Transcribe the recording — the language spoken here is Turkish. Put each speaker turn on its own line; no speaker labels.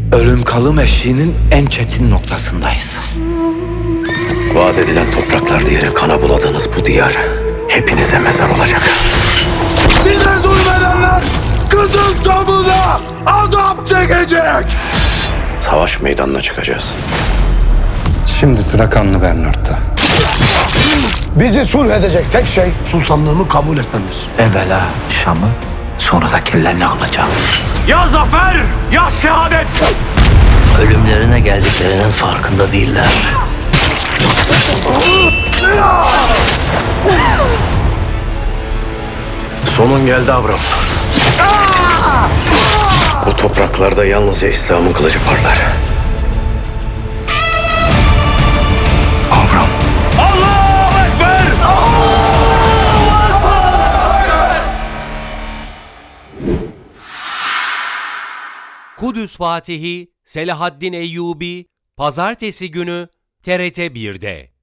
Ölüm kalım eşiğinin en çetin noktasındayız.
Vaat edilen topraklar diyerek kana buladığınız bu diyar hepinize mezar olacak.
Bize zulmedenler Kızıl Tabu'da azap çekecek.
Savaş meydanına çıkacağız.
Şimdi sıra kanlı Bernard'ta. Bizi sulh edecek tek şey sultanlığımı kabul etmemiz.
Evvela Şam'ı, sonra da kellerini alacağım.
Ya zafer ya şehadet.
Ölümlerine geldiklerinin farkında değiller.
Sonun geldi Avram. Bu topraklarda yalnızca İslam'ın kılıcı parlar.
Avram.
Allahu Ekber!
Kudüs Fatihi Selahaddin Eyyubi Pazartesi günü TRT 1'de.